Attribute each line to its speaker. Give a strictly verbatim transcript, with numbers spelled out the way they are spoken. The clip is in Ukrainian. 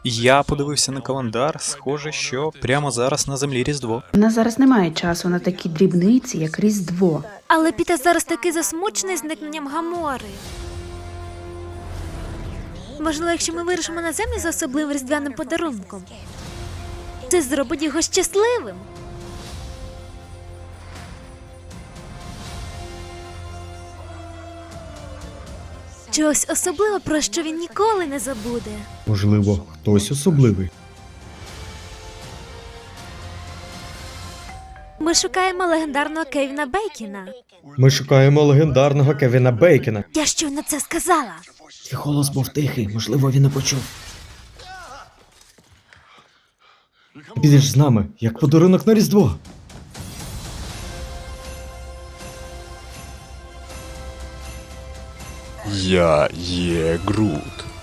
Speaker 1: Я подивився на календар, схоже, що прямо зараз на землі Різдво.
Speaker 2: У нас зараз немає часу на такі дрібниці, як Різдво.
Speaker 3: Але Піта зараз такий засмучений зникненням Гамори. Можливо, якщо ми вирушимо на землю за особливим різдвяним подарунком, це зробить його щасливим. Чогось особливого, про що він ніколи не забуде.
Speaker 4: Можливо, хтось особливий.
Speaker 3: Ми шукаємо легендарного Кевіна Бейкіна.
Speaker 4: Ми шукаємо легендарного Кевіна Бейкена.
Speaker 3: Я щойно це сказала.
Speaker 5: Твій голос був тихий, можливо, він не почув.
Speaker 4: Підеш з нами, як подарунок на Різдво.
Speaker 1: Я є Грут.